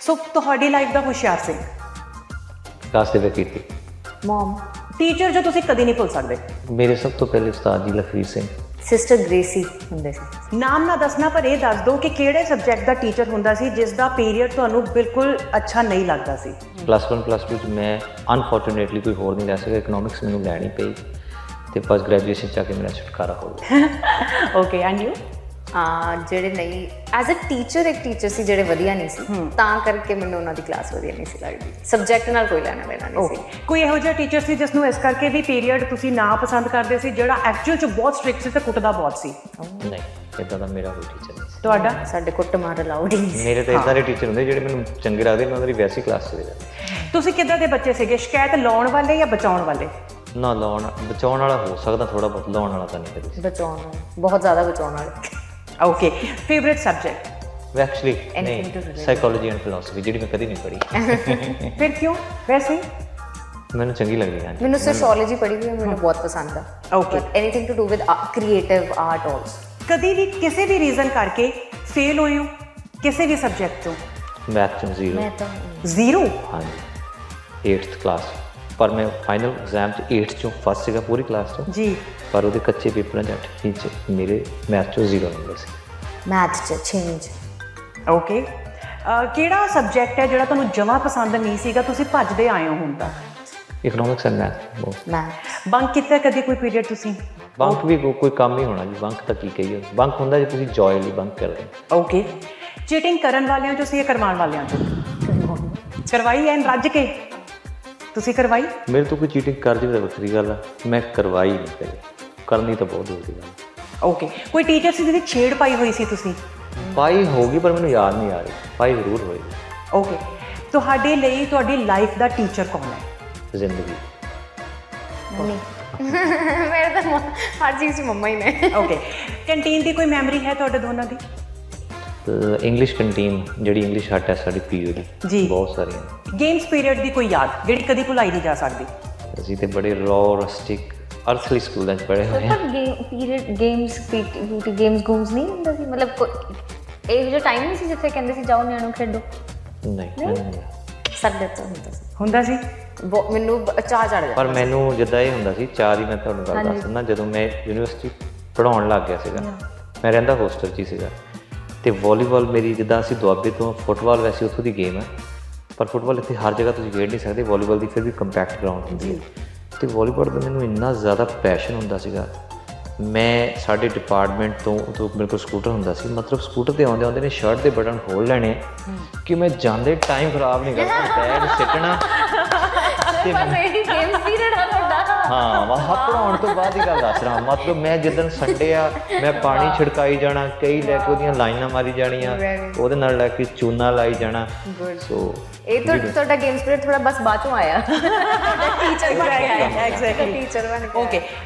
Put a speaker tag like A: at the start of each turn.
A: ਸੋ ਤੁਹਾਡੀ ਲਾਈਫ ਦਾ ਹੁਸ਼ਿਆਰ ਸਿੰਘ
B: ਕਲਾਸ ਦੇ ਵਿੱਚ ਕੀਤੀ
C: ਮਮ,
A: ਟੀਚਰ ਜੋ ਤੁਸੀਂ ਕਦੀ ਨਹੀਂ ਭੁੱਲ ਸਕਦੇ।
B: ਮੇਰੇ ਸਭ ਤੋਂ ਪਹਿਲੇ ਉਸਤਾਦ ਜੀ ਲਖਵੀਰ ਸਿੰਘ।
C: ਸਿਸਟਰ ਗ੍ਰੇਸੀ ਹੁੰਦੇ ਸੀ।
A: ਨਾਮ ਨਾ ਦੱਸਣਾ ਪਰ ਇਹ ਦੱਸ ਦਿਓ ਕਿ ਕਿਹੜੇ ਸਬਜੈਕਟ ਦਾ ਟੀਚਰ ਹੁੰਦਾ ਸੀ ਜਿਸ ਦਾ ਪੀਰੀਅਡ ਤੁਹਾਨੂੰ ਬਿਲਕੁਲ ਅੱਛਾ ਨਹੀਂ ਲੱਗਦਾ ਸੀ।
B: +1 +2 'ਚ ਮੈਂ ਅਨਫੋਰਚੂਨੇਟਲੀ ਕੋਈ ਹੋਰ ਨਹੀਂ ਲੈ ਸਕਿਆ, ਇਕਨੋਮਿਕਸ ਮੈਨੂੰ ਲੈਣੀ ਪਈ ਤੇ ਬਸ ਗ੍ਰੈਜੂਏਸ਼ਨ 'ਚ ਆ ਕੇ ਮੇਰਾ ਛੁਟਕਾਰਾ ਹੋ ਗਿਆ।
A: Okay and you?
C: ਜਿਹੜੇ ਨਹੀਂ ਐਜ਼ ਅ ਟੀਚਰ, ਇੱਕ ਟੀਚਰ ਸੀ ਜਿਹੜੇ ਵਧੀਆ ਨਹੀਂ ਸੀ, ਤਾਂ ਕਰਕੇ ਮੈਨੂੰ ਉਹਨਾਂ ਦੀ ਕਲਾਸ ਵਧੀਆ ਨਹੀਂ ਸੀ ਲੱਗਦੀ। ਸਬਜੈਕਟ ਨਾਲ ਕੋਈ ਲੈਣਾ ਦੇਣਾ ਨਹੀਂ ਸੀ।
A: ਕੋਈ ਇਹੋ ਜਿਹਾ ਟੀਚਰ ਸੀ ਜਿਸ ਨੂੰ ਇਸ ਕਰਕੇ ਵੀ ਪੀਰੀਅਡ ਤੁਸੀਂ ਨਾ ਪਸੰਦ ਕਰਦੇ ਸੀ, ਜਿਹੜਾ ਐਕਚੁਅਲ 'ਚ ਬਹੁਤ ਸਟ੍ਰਿਕਟ ਸੀ ਤੇ ਕੁੱਟਦਾ ਬਹੁਤ ਸੀ?
B: ਨਹੀਂ, ਇੱਦਾਂ ਦਾ ਮੇਰਾ ਕੋਈ ਟੀਚਰ ਨਹੀਂ ਸੀ।
A: ਤੁਹਾਡਾ?
C: ਸਾਡੇ ਕੁੱਟ ਮਾਰ ਅਲਾਉਡ ਹੀ ਨਹੀਂ ਸੀ।
B: ਮੇਰੇ ਤਾਂ ਇੱਦਾਂ ਦੇ ਟੀਚਰ ਹੁੰਦੇ ਜਿਹੜੇ ਮੈਨੂੰ ਚੰਗੇ ਲੱਗਦੇ, ਮੈਂ ਉਹਨਾਂ ਦੀ ਵੈਸੀ ਕਲਾਸ ਚਲੇ ਜਾਂਦਾ।
A: ਤੁਸੀਂ ਕਿੱਦਾਂ ਦੇ ਬੱਚੇ ਸੀਗੇ, ਸ਼ਿਕਾਇਤ ਲਾਉਣ ਵਾਲੇ ਜਾਂ ਬਚਾਉਣ ਵਾਲੇ?
B: ਨਾ ਲਾਉਣ ਬਚਾਉਣ ਵਾਲਾ ਹੋ ਸਕਦਾ ਥੋੜਾ ਬਹੁਤ, ਲਾਉਣ ਵਾਲਾ ਤਾਂ ਨਹੀਂ ਕਦੇ।
C: ਬਚਾਉਣ ਵਾਲੇ, ਬਹੁਤ ਜ਼ਿਆਦਾ ਬਚਾਉਣ ਵਾਲੇ।
A: Okay, favourite subject?
B: Actually
C: Anything to
B: ਨਹੀਂ,
C: relate.
B: ਸਾਈਕੋਲੋਜੀ ਐਂਡ ਫਿਲਾਸਫੀ, ਜਿਹੜੀ ਮੈਂ ਕਦੀ ਨਹੀਂ ਪੜ੍ਹੀ।
A: ਫਿਰ ਕਿਉਂ? ਵੈਸੇ
B: ਮੈਨੂੰ ਚੰਗੀ ਲੱਗਦੀ ਹੈ।
C: ਮੈਨੂੰ ਸੋਸ਼ੀਓਲੋਜੀ ਪੜ੍ਹੀ ਹੋਈ ਹੈ, ਮੈਨੂੰ ਬਹੁਤ ਪਸੰਦ ਆ।
A: Okay.
C: Anything to do with creative art also.
A: ਕਦੀ ਵੀ ਕਿਸੇ ਵੀ ਰੀਜ਼ਨ ਕਰਕੇ ਫੇਲ ਹੋਏ ਹੋ ਕਿਸੇ ਵੀ ਸਬਜੈਕਟ ਤੋਂ?
B: ਮੈਥ 'ਚ 0।
C: ਮੈਂ ਤਾਂ
A: ਜ਼ੀਰੋ?
B: ਹਾਂਜੀ, 8th ਕਲਾਸ, ਪਰ ਮੈਂ ਫਾਈਨਲ ਐਗਜ਼ਾਮ 'ਚ 8th 'ਚੋਂ ਫਸਟ ਸੀਗਾ ਪੂਰੀ ਕਲਾਸ 'ਚੋਂ।
A: ਜੀ।
B: ਪਰ ਉਹਦੇ ਕੱਚੇ ਪੇਪਰਾਂ 'ਚ 8ਵੀਂ 'ਚ ਮੇਰੇ ਮੈਥ 'ਚੋਂ 0 ਨੰਬਰ ਸੀ।
C: ਮੈਥ 'ਚ ਚੇਂਜ।
A: ਓਕੇ, ਕਿਹੜਾ ਸਬਜੈਕਟ ਹੈ ਜਿਹੜਾ ਤੁਹਾਨੂੰ ਜਮਾਂ ਪਸੰਦ ਨਹੀਂ ਸੀਗਾ, ਤੁਸੀਂ ਭੱਜਦੇ ਆਏ ਹੋ ਹੁਣ ਤੱਕ?
B: Economics and math.
C: Math
A: bunk ਕੀਤਾ ਕਦੀ ਕੋਈ ਪੀਰੀਅਡ ਤੁਸੀਂ?
B: ਬੰਕ ਵੀ ਕੋਈ ਕੰਮ ਹੀ ਹੋਣਾ ਜੀ, ਬੰਕ ਤਾਂ ਕੀ ਕਹੀਏ। ਬੰਕ ਹੁੰਦਾ ਜੇ ਤੁਸੀਂ ਜੋਏ ਲਈ ਬੰਕ ਕਰਦੇ ਹੋ।
A: ਓਕੇ, ਚੀਟਿੰਗ ਕਰਨ ਵਾਲਿਆਂ ਚੋਂ ਸੀ ਜਾਂ ਕਰਵਾਉਣ ਵਾਲਿਆਂ ਚੋਂ? ਕਰਵਾਈ ਐਨ ਰੱਜ ਕੇ? ਤੁਸੀਂ ਕਰਵਾਈ?
B: ਮੇਰੇ ਤੋਂ ਕੋਈ ਚੀਟਿੰਗ ਕਰ ਜਾਵੇ ਤਾਂ ਵੱਖਰੀ ਗੱਲ ਆ, ਮੈਂ ਕਰਵਾਈ ਨਹੀਂ ਕਦੇ, ਕਰਨੀ ਤਾਂ ਬਹੁਤ ਦੂਰ ਦੀ ਗੱਲ।
A: ਓਕੇ, ਕੋਈ ਟੀਚਰ ਸੀ ਜਿਹਦੀ ਛੇੜ ਪਾਈ ਹੋਈ ਸੀ ਤੁਸੀਂ?
B: ਪਾਈ ਹੋਗੀ ਪਰ ਮੈਨੂੰ ਯਾਦ ਨਹੀਂ ਆ ਰਹੀ, ਪਾਈ ਜ਼ਰੂਰ ਹੋਈ।
A: ਓਕੇ, ਤੁਹਾਡੇ ਲਈ ਤੁਹਾਡੀ ਲਾਈਫ ਦਾ ਟੀਚਰ ਕੌਣ ਹੈ?
B: ਜ਼ਿੰਦਗੀ
C: ਨਹੀਂ। ਮੇਰੇ ਤਾਂ ਹਰ ਚੀਜ਼ 'ਚ ਮੰਮਾ ਹੀ ਨੇ।
A: ਓਕੇ, ਕੰਟੀਨ ਦੀ ਕੋਈ ਮੈਮਰੀ ਹੈ ਤੁਹਾਡੇ ਦੋਨਾਂ ਦੀ?
B: ਇੰਗਲਿਸ਼ ਕੰਟੀਨ, ਜਿਹੜੀ ਇੰਗਲਿਸ਼ ਹੱਟ ਹੈ ਸਾਡੀ ਪੀਓ ਦੀ,
A: ਜੀ।
B: ਬਹੁਤ ਸਾਰੀਆਂ।
A: ਗੇਮਸ ਪੀਰੀਅਡ ਦੀ ਕੋਈ ਯਾਦ ਜਿਹੜੀ ਕਦੀ ਭੁਲਾਈ ਨਹੀਂ ਜਾ ਸਕਦੀ?
B: ਅਸੀਂ ਤੇ ਬੜੇ ਰੌ ਰਸਟਿਕ ਅਰਥਲੀ ਸਕੂਲਾਂ 'ਚ ਪੜ੍ਹੇ ਹੋਏ ਹਾਂ।
C: ਪੀਰੀਅਡ ਗੇਮਸ, ਪੀਟੀ ਗੇਮਸ ਗੂਮਸ ਨਹੀਂ ਹੁੰਦਾ ਸੀ, ਮਤਲਬ ਇਹੋ ਜਿਹਾ ਟਾਈਮ ਨਹੀਂ ਸੀ ਜਿੱਥੇ ਕਹਿੰਦੇ ਸੀ ਜਾਓ ਨਿਆਣੋ ਖੇਡੋ?
B: ਨਹੀਂ, ਮੈਨੂੰ ਨਹੀਂ।
C: ਸਾਡੇ ਤੋਂ ਹੁੰਦਾ ਸੀ।
A: ਹੁੰਦਾ ਸੀ?
C: ਮੈਨੂੰ ਚਾਹ ਚੜ ਜਾਂਦਾ।
B: ਪਰ ਮੈਨੂੰ ਜਿੱਦਾਂ ਇਹ ਹੁੰਦਾ ਸੀ, ਚਾਰ ਹੀ ਮੈਂ ਤੁਹਾਨੂੰ ਗੱਲ ਦੱਸ ਦਿੰਦਾ। ਜਦੋਂ ਮੈਂ ਯੂਨੀਵਰਸਿਟੀ ਪੜ੍ਹਾਉਣ ਲੱਗ ਗਿਆ ਸੀਗਾ, ਮੈਂ ਰਹਿੰਦਾ ਹੋਸਟਲ 'ਚ ਹੀ ਸੀਗਾ, ਅਤੇ ਵਾਲੀਬਾਲ ਮੇਰੀ, ਜਿੱਦਾਂ ਅਸੀਂ ਦੁਆਬੇ ਤੋਂ, ਫੁੱਟਬਾਲ ਵੈਸੇ ਉੱਥੋਂ ਦੀ ਗੇਮ ਹੈ, ਪਰ ਫੁੱਟਬਾਲ ਇੱਥੇ ਹਰ ਜਗ੍ਹਾ ਤੁਸੀਂ ਖੇਡ ਨਹੀਂ ਸਕਦੇ, ਵਾਲੀਬਾਲ ਦੀ ਫਿਰ ਵੀ ਕੰਪੈਕਟ ਗਰਾਊਂਡ ਹੁੰਦੀ ਹੈ। ਅਤੇ ਵਾਲੀਬਾਲ ਦਾ ਮੈਨੂੰ ਇੰਨਾ ਜ਼ਿਆਦਾ ਪੈਸ਼ਨ ਹੁੰਦਾ ਸੀਗਾ। ਮੈਂ ਸਾਡੇ ਡਿਪਾਰਟਮੈਂਟ ਤੋਂ ਉਦੋਂ ਮੇਰੇ ਕੋਲ ਸਕੂਟਰ ਹੁੰਦਾ ਸੀ, ਮਤਲਬ ਸਕੂਟਰ 'ਤੇ ਆਉਂਦੇ ਨੇ ਸ਼ਰਟ ਦੇ ਬਟਨ ਖੋਲ੍ਹ ਲੈਣੇ ਕਿ ਮੈਂ ਜਾਂਦੇ ਟਾਈਮ ਖਰਾਬ ਨਹੀਂ ਕਰਨਾ, ਬੈਗ ਸਿੱਟਣਾ। ਹਾਂ, ਮੈਂ ਪੜ੍ਹਾਉਣ ਤੋਂ ਬਾਅਦ ਹੀ ਗੱਲ ਦੱਸ ਰਿਹਾ, ਮਤਲਬ ਮੈਂ ਜਿੱਦਣ ਸੰਡੇ ਆ, ਮੈਂ ਪਾਣੀ ਛਿੜਕਾਈ ਜਾਣਾ, ਕਈ ਲੈ ਕੇ ਉਹਦੀਆਂ ਲਾਈਨਾਂ ਮਾਰੀ ਜਾਣੀਆਂ, ਉਹਦੇ ਨਾਲ ਲੈ ਕੇ ਚੂਨਾ ਲਾਈ ਜਾਣਾ। ਸੋ
C: ਇਹ ਤੁਹਾਡਾ ਗੇਮਸ ਪੀਰੀਅਡ ਥੋੜਾ ਬਸ ਬਾਅਦ ਚੋਂ ਆਇਆ। ਟੀਚਰ ਬਣ ਕੇ ਆਇਆ।
A: ਐਗਜ਼ੈਕਟਲੀ।
C: ਟੀਚਰ ਬਣ ਕੇ।
A: ਓਕੇ,